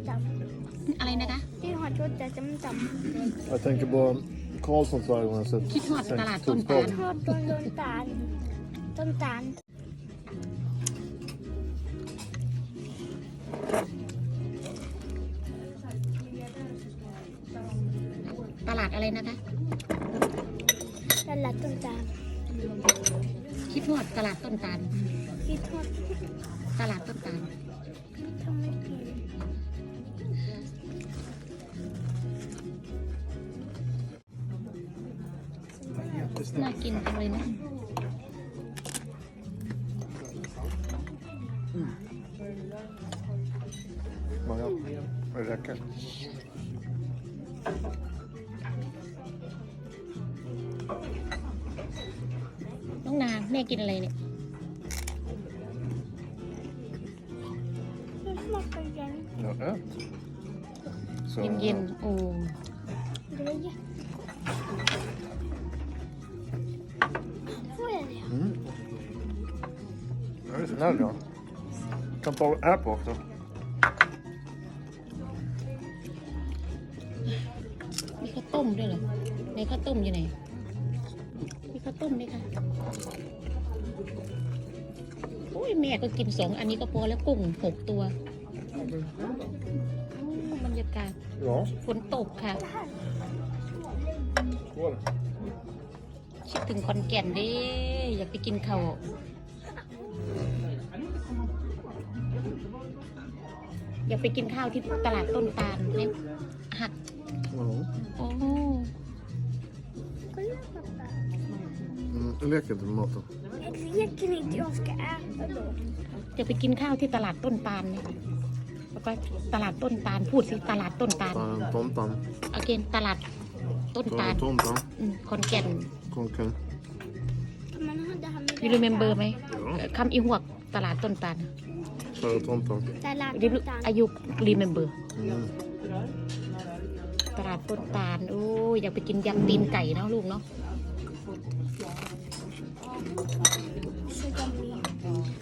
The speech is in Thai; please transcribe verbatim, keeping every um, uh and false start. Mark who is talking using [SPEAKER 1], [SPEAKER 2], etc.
[SPEAKER 1] จำ
[SPEAKER 2] อะไรนะคะ
[SPEAKER 1] ที่หอดรถแต่จำจำ
[SPEAKER 3] Jag tänker på Karlssons varje gång jag sett
[SPEAKER 2] คิดฮอดตลาดต้นตาล
[SPEAKER 1] ทอดต้นต้นตาลต้นตาล
[SPEAKER 2] ตลาดอะไรนะคะ
[SPEAKER 1] ตลาดต้นตาล
[SPEAKER 2] คิดฮอดตลาดต้นตาล
[SPEAKER 1] ที่ทอด
[SPEAKER 2] ตลาดต้นตาล
[SPEAKER 1] ทำไม่กิน
[SPEAKER 2] น่ากินจังเลยนะ
[SPEAKER 3] Många. Det räcker.
[SPEAKER 2] น้องนาแม่กินอะไรเนี่ย
[SPEAKER 1] ไม่ชอบกันยัง
[SPEAKER 3] Ja, ät. Så.
[SPEAKER 2] เย็นๆโอ้
[SPEAKER 1] ดูเลยfår jag det?
[SPEAKER 3] Mm. Jag är snäll ja. Kan ta här på också.
[SPEAKER 2] มีข้าวต้มด้วยเหรอในข้าวต้มอยู่ไหนมีข้าวต้มไหมคะโอ้ยแม่ก็กินสองอันนี้ก็พอแล้วกุ้งหกตัวอู้บรรยากาศ
[SPEAKER 3] Ja.
[SPEAKER 2] ฝนตกค่ะ
[SPEAKER 3] Skål.
[SPEAKER 2] คิดถึงคอนแก่นดิอยากไปกินข้าวอยากไปกินข้าวที่ตลาดต้นตาลเนี่ยหัก
[SPEAKER 3] Ja.
[SPEAKER 2] โอ้
[SPEAKER 1] Kolla pappa.
[SPEAKER 3] Mm, jag leker inte med maten.
[SPEAKER 1] Jag leker inte, jag ska äta då.
[SPEAKER 2] จะไปกินข้าวที่ตลาดต้นตาลเนี่ยแล้วก็ตลาดต้นตาลพูดสิตลาดต้นตาล
[SPEAKER 3] Ta en tomtan.
[SPEAKER 2] โอเคตลาดต้น
[SPEAKER 3] Ta
[SPEAKER 2] ตาล
[SPEAKER 3] en tomtan.
[SPEAKER 2] อืมคอนแก่น
[SPEAKER 3] Konken.
[SPEAKER 1] Kan man ha det här med
[SPEAKER 2] ยูรีเมมเบอร์ไหม
[SPEAKER 3] Ja.
[SPEAKER 2] คำอีหวกตลาดต้นตาล
[SPEAKER 3] Ta en tomtan.
[SPEAKER 1] Tallad
[SPEAKER 2] รี
[SPEAKER 1] ต้นตาล
[SPEAKER 2] อายุรีเมมเบอร์
[SPEAKER 3] Mm.
[SPEAKER 2] ตลาดต้นตาลโอ้ยอยากไปกินยำตีนไก่เนาะลูกเนาะ
[SPEAKER 1] tjugoett.